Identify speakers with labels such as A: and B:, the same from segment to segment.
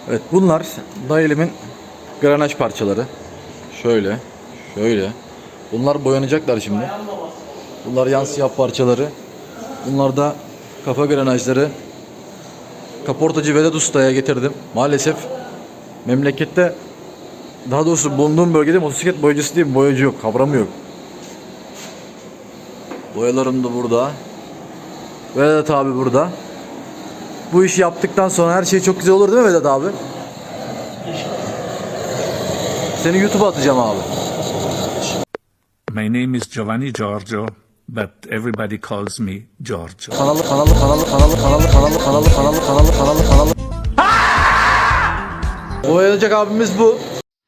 A: Evet, bunlar dayelimin granaj parçaları. Şöyle, şöyle. Bunlar boyanacaklar şimdi. Bunlar yan siyah parçaları. Bunlar da kafa granajları. Kaportacı Vedat Usta'ya getirdim. Maalesef memlekette, daha doğrusu bulunduğum bölgede motosiklet boyacısı değil, boyacı yok, kavramı yok. Boyalarım da burada. Vedat abi burada. Bu işi yaptıktan sonra her şey çok güzel olur değil mi Vedat abi? Seni YouTube'a atacağım abi.
B: My name is Giovanni Giorgio, but everybody calls me Giorgio.
A: Kanalı. Boyayacak abimiz bu.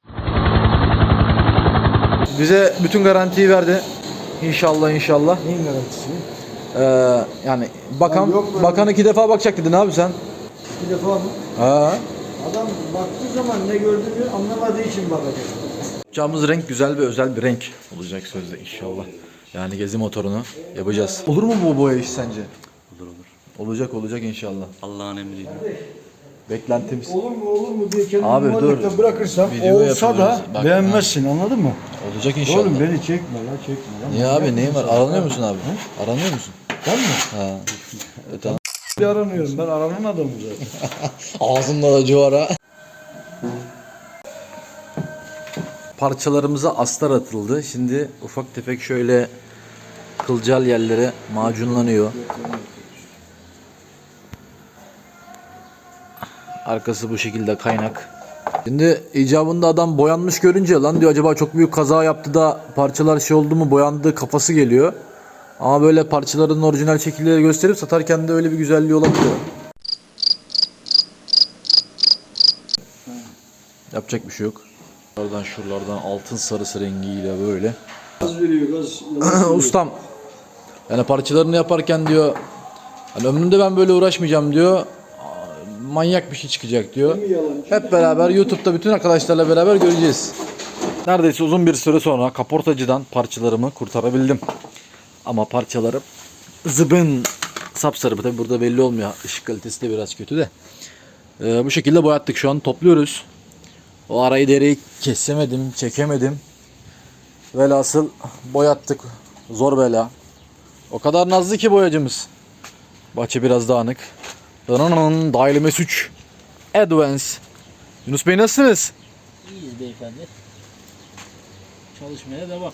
A: Bize bütün garantiyi verdi. İnşallah.
C: Neyin garantisini?
A: Yani bakan
C: yok böyle.
A: bakan 2 defa bakacak dedin abi sen.
C: Bir defa mı?
A: Ha.
C: Adam baktığı zaman ne gördüğünü anlamadığı için bakacak.
A: Yapacağımız renk güzel ve özel bir renk olacak sözde inşallah. Yani gezi motorunu yapacağız. Olur mu bu boya iş sence?
D: Olur.
A: Olacak inşallah.
D: Allah'ın emriyle.
A: Beklentimiz.
C: Olur mu diye kendimi
A: Abi dur.
C: muhalefete bırakırsam
A: Video
C: olsa da
A: yapıyoruz. Bak,
C: beğenmezsin, anladın mı?
A: Olacak inşallah.
C: Oğlum beni çekme lan.
A: Niye abi, neyin var? Aranıyor musun abi? Aranıyor musun?
C: Ben mi?
A: Ha. Tamam.
C: Bir aranıyorum, ben aranan adamım zaten.
A: Ağzımda da civara. Parçalarımıza astar atıldı. Şimdi ufak tefek şöyle kılcal yerlere macunlanıyor. Arkası bu şekilde kaynak. Şimdi icabında adam boyanmış görünce lan diyor, acaba çok büyük kaza yaptı da parçalar şey oldu mu, boyandı kafası geliyor. Ama böyle parçaların orijinal şekilleri gösterip satarken de öyle bir güzelliği olabiliyor. Yapacak bir şey yok. Şuralardan altın sarısı rengiyle böyle.
C: Gaz veriyor, gaz.
A: Ustam, yani parçalarını yaparken diyor, hani ömrümde ben böyle uğraşmayacağım diyor. Manyak bir şey çıkacak diyor. Hep beraber YouTube'da bütün arkadaşlarla beraber göreceğiz. Neredeyse uzun bir süre sonra kaportacıdan parçalarımı kurtarabildim. Ama parçalarım zıbın sapsarı. Tabi burada belli olmuyor. Işık kalitesi de biraz kötü de. Bu şekilde boyattık. Şu an topluyoruz. O arayı dereyi kesemedim, çekemedim. Velhasıl boyattık. Zor bela. O kadar nazlı ki boyacımız. Bahçe biraz dağınık. Dial MS3 Advance. Yunus Bey nasılsınız?
E: İyiyiz beyefendi. Çalışmaya devam.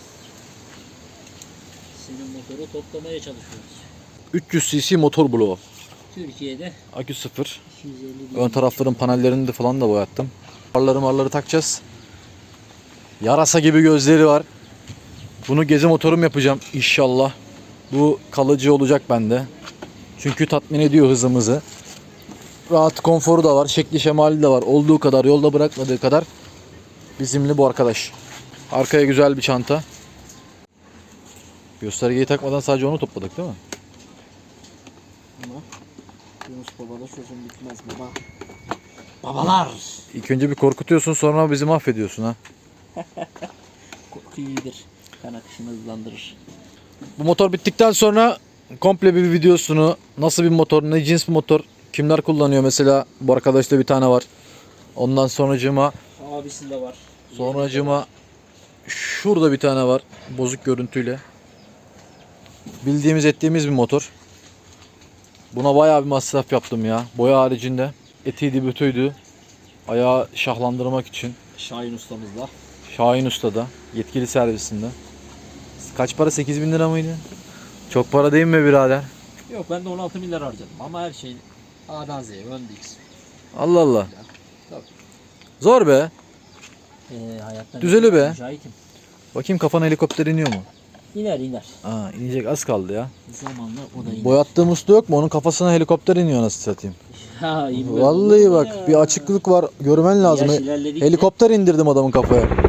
E: Senin motoru toplamaya çalışıyoruz.
A: 300 cc motor bloğu.
E: Türkiye'de
A: Akü 0.
E: 250 bin.
A: Ön tarafların panellerini de falan da boyattım. Marları takacağız. Yarasa gibi gözleri var. Bunu gezi motorum yapacağım inşallah. Bu kalıcı olacak bende. Çünkü tatmin ediyor hızımızı. Rahat, konforu da var, şekli şemali de var. Olduğu kadar, yolda bırakmadığı kadar bizimli bu arkadaş. Arkaya güzel bir çanta. Göstergeyi takmadan sadece onu topladık değil mi?
E: Ama Yunus babada sözüm bitmez baba. Babalar!
A: İlk önce bir korkutuyorsun, sonra bizi mahvediyorsun ha.
E: Korku iyidir. Kan akışını hızlandırır.
A: Bu motor bittikten sonra komple bir videosunu, nasıl bir motor, ne cins bir motor, kimler kullanıyor mesela, bu arkadaşta bir tane var. Ondan sonracığıma
E: Abisinde var.
A: şurada bir tane var bozuk görüntüyle. Bildiğimiz ettiğimiz bir motor. Buna bayağı bir masraf yaptım ya. Boya haricinde etiydi bütüydü. Ayağı şahlandırmak için.
E: Şahin ustamızla.
A: Şahin Usta'da yetkili servisinde. Kaç para, 8.000 lira mıydı? Çok para değil mi birader?
E: Yok, ben de 16 milyar harcadım ama her şey A'dan Z'ye öndeyiz.
A: Allah Allah.
E: Tabii.
A: Zor be.
E: Hayattan
A: Düzeli be.
E: mücahitim.
A: Bakayım, kafana helikopter iniyor mu?
E: İner.
A: Aa, inecek, az kaldı ya.
E: Zamanla o da iner.
A: Boyattığım usta yok mu? Onun kafasına helikopter iniyor, nasıl satayım.
E: Ha, inmez.
A: Vallahi bak, bir açıklık var. Görmen lazım.
E: Yaş ilerledikçe-
A: Helikopter indirdim adamın kafaya.